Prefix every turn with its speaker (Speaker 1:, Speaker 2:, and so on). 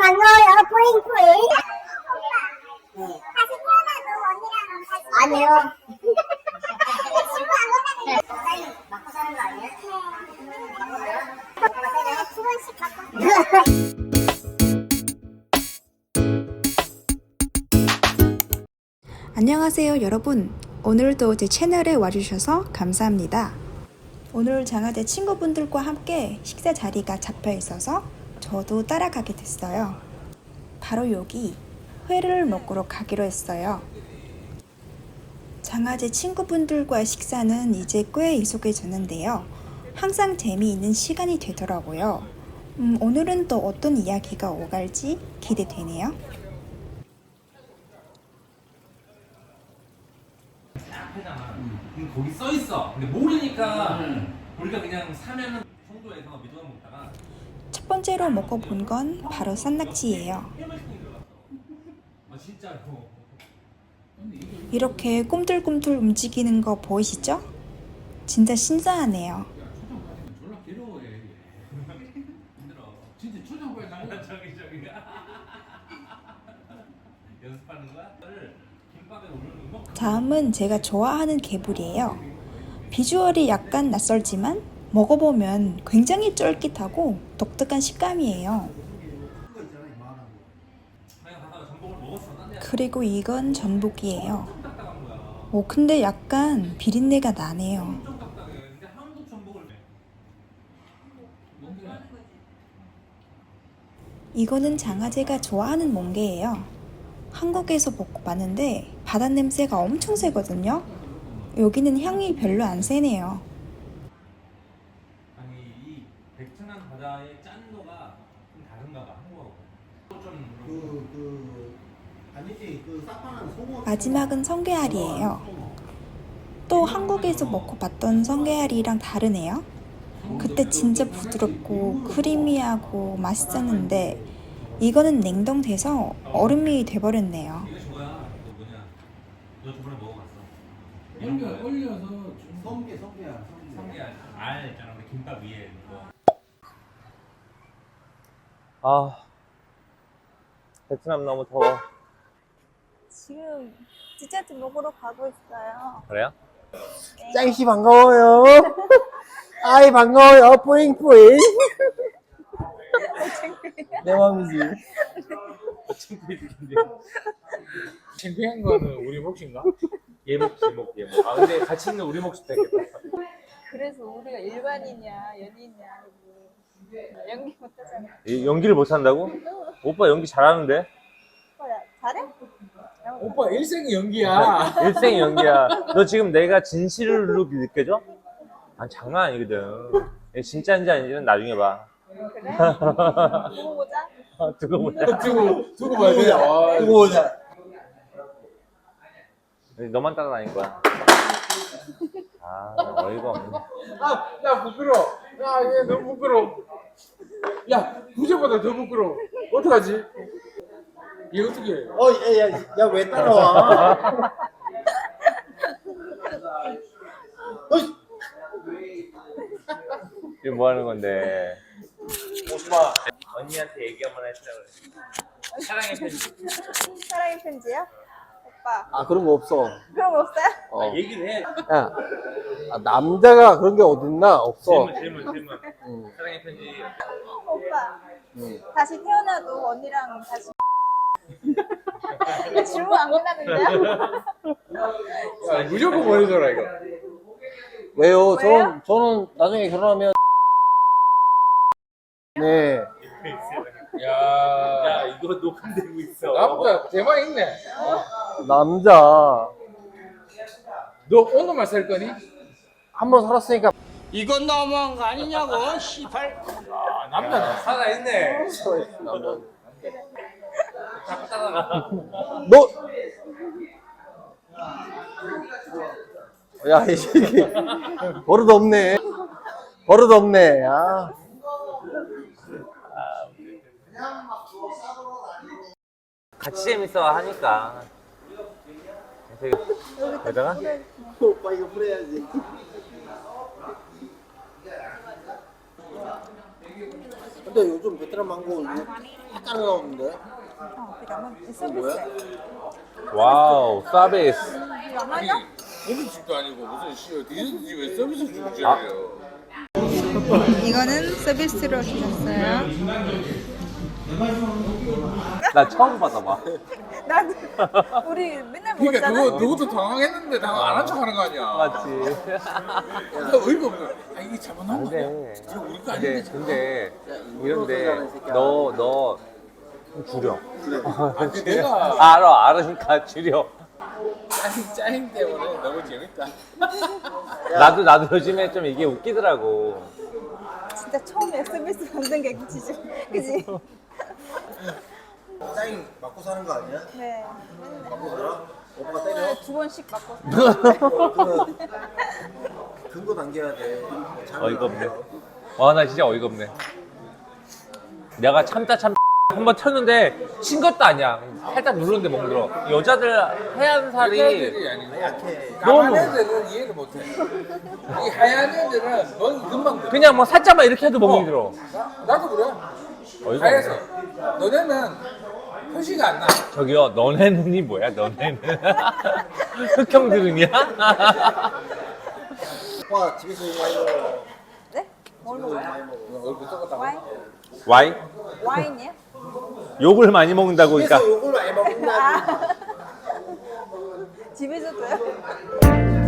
Speaker 1: 반가워요. 뿌잉뿌잉. 다시 태어나도 언니랑 같이. 아니요. 친구 안 원하는 거. 맞고 사는 거 아니에요? 네. 두 번씩 맞고.
Speaker 2: 안녕하세요 여러분. 오늘도 제 채널에 와주셔서 감사합니다. 오늘 장아제 친구분들과 함께 식사 자리가 잡혀 있어서 저도 따라가게 됐어요. 바로 여기 회를 먹으러 가기로 했어요. 장아제 친구분들과의 식사는 이제 꽤 익숙해졌는데요. 항상 재미있는 시간이 되더라고요. 오늘은 또 어떤 이야기가 오갈지 기대되네요.
Speaker 3: 앞에잖아. 거기 써 있어. 근데 모르니까 우리가 그냥 사면은 송도에서 미도랑 먹다가
Speaker 2: 첫 번째로 먹어본 건 바로 산낙지예요.
Speaker 3: 아 진짜로.
Speaker 2: 이렇게 꿈틀꿈틀 움직이는 거 보이시죠? 진짜 신선하네요.
Speaker 4: 졸라 괴로워해.
Speaker 3: 힘들어.
Speaker 4: 진짜 초장부에 나가.
Speaker 3: 저기 연습하는 거야? 김밥에 오르는 거?
Speaker 2: 다음은 제가 좋아하는 개불이에요. 비주얼이 약간 낯설지만 먹어보면 굉장히 쫄깃하고 독특한 식감이에요. 그리고 이건 전복이에요. 오, 근데 약간 비린내가 나네요. 이거는 장아제가 좋아하는 멍게예요. 한국에서 먹고 봤는데 바다 냄새가 엄청 세거든요. 여기는 향이 별로 안 세네요.
Speaker 3: 아니 이 베트남 바다의 짠도가 좀 다른가 봐 한국하고.
Speaker 2: 마지막은 성게알이에요. 또 한국에서 먹고 봤던 성게알이랑 다르네요. 그때 진짜 부드럽고 크리미하고 맛있었는데 이거는 냉동돼서 얼음이 돼버렸네요.
Speaker 3: 이거 저거야. 너 뭐냐? 너 저번에 먹어봤어?
Speaker 4: 올려서 좀
Speaker 3: 성게알 알 있잖아 우리 김밥 위에 이거.
Speaker 5: 아, 베트남 너무 더워.
Speaker 6: 지금 디저트 먹으러 가고 있어요.
Speaker 5: 그래요?
Speaker 7: 짱씨 반가워요. 아이 반가워요. 뿌잉뿌잉. 내 맘이지.
Speaker 4: 창피한 거는 우리 몫인가?
Speaker 5: 예목. 아, 근데 같이 있는 우리 몫이 되겠다.
Speaker 6: 그래서 우리가 일반이냐 연인이냐 하고 연기 못하잖아.
Speaker 5: 연기를 못한다고? 오빠 연기 잘하는데?
Speaker 6: 오빠야 잘해?
Speaker 4: 오빠 일생이 연기야.
Speaker 5: 일생 연기야. 너 지금 내가 진실로 느껴져? 아, 장난 아니거든. 얘 진짜인지 아닌지는 나중에 봐.
Speaker 6: 그래? 두고 보자.
Speaker 5: 두고 보자.
Speaker 4: 두고 봐야 돼. 아,
Speaker 7: 두고 보자.
Speaker 5: 너만 따라다닐 거야. 아, 어이가 없네.
Speaker 4: 야 부끄러워. 야 얘 너무 부끄러워. 야 부제보다 더 부끄러워. 어떡하지? 얘 어떻게 해?
Speaker 7: 야 왜 따라와?
Speaker 5: 이거 뭐 하는 건데? 오빠, 언니한테 얘기 한번 해주라고 그래. 사랑의 편지.
Speaker 6: 사랑의 편지요? 오빠
Speaker 7: 아 그런 거 없어.
Speaker 6: 그런 거 없어요?
Speaker 7: 어.
Speaker 5: 얘기를 해.
Speaker 7: 야, 남자가 그런 게 어딨나? 없어.
Speaker 5: 질문.
Speaker 7: 응.
Speaker 5: 사랑의 편지.
Speaker 6: 오빠
Speaker 7: 응.
Speaker 6: 다시 태어나도 언니랑 다시 질문 안 끝났는데요?
Speaker 4: 야 무조건 보내줘라 이거.
Speaker 7: 왜요?
Speaker 6: 왜요?
Speaker 7: 저는 나중에 결혼하면 네.
Speaker 4: 야
Speaker 5: 이거 녹음되고 있어.
Speaker 4: 남자 대만 있네.
Speaker 7: 남자
Speaker 4: 너 오늘만 살 거니?
Speaker 7: 한 번 살았으니까
Speaker 8: 이건 너무한 거 아니냐고, 시발.
Speaker 4: 아 남자다.
Speaker 5: 살아있네.
Speaker 7: 너 야, 이 새끼 버릇 없네. 버릇 없네. 아.
Speaker 5: 같이 재밌어 하니까. 되게 여자가?
Speaker 7: 오빠 이거 뿌려야지. 근데 요즘 베트남 망고
Speaker 4: 따라 나오는데.
Speaker 6: 그러면 서비스.
Speaker 5: 와우, 서비스.
Speaker 6: 얼마냐?
Speaker 4: 고깃집도 아니고 무슨 씨 디저트 집에 서비스 주고 지내요.
Speaker 6: 이거는 서비스로 주셨어요.
Speaker 5: 나 처음 받아봐.
Speaker 6: 나도 우리 맨날
Speaker 4: 그러니까
Speaker 6: 먹었잖아.
Speaker 4: 누구도 당황했는데 당황 안 한 척 하는 거 아니야.
Speaker 5: 맞지.
Speaker 4: 야, 어이가 없네. 아 이게 잘못 나온 거 아니야?
Speaker 5: 근데,
Speaker 4: 이거 우리 거 아닌데.
Speaker 5: 근데, 이런데, 너 좀 줄여.
Speaker 4: 아, 그 내가
Speaker 5: 알으니까 줄여.
Speaker 4: 짜임 때문에 너무 재밌다.
Speaker 5: 나도 요즘에 좀 이게 웃기더라고.
Speaker 6: 진짜 처음에 서비스 받는 게 그치지. 그지?
Speaker 7: 짜잉 맞고 사는 거 아니야?
Speaker 6: 네.
Speaker 7: 맞고 살아? 오빠가 때려?
Speaker 6: 2번씩 받고.
Speaker 7: 근거 남겨야 돼.
Speaker 5: 어이가 없네. 와, 나 진짜 어이가 없네. 내가 참다 한번 튀었는데 친 것도 아니야. 살짝 누르는데 멍들어. 여자들 하얀 살이
Speaker 4: 애들이 아니고
Speaker 7: 약해.
Speaker 4: 까만
Speaker 5: 너무-
Speaker 4: 애들은 이해를 못해. 이 하얀 애들은 멍이 금방 들어.
Speaker 5: 그냥 뭐 살짝만 이렇게 해도 멍이 들어.
Speaker 4: 나도 그래.
Speaker 5: 어이가
Speaker 4: 하얘서.
Speaker 5: 없네.
Speaker 4: 너네는 표시가 안 나.
Speaker 5: 저기요, 너네는이 뭐야, 너네는? 흑형들은이야?
Speaker 7: 오빠 집에서 이거 많이 먹어.
Speaker 6: 네? 뭘 먹어요?
Speaker 7: 많이 먹어.
Speaker 4: 얼굴 똑같다.
Speaker 6: 와인?
Speaker 5: 와인?
Speaker 6: 와인이요?
Speaker 5: 욕을 많이 먹는다고, 그러니까.
Speaker 7: 집에서 욕을 많이 먹는다.
Speaker 6: 아. 집에서도요?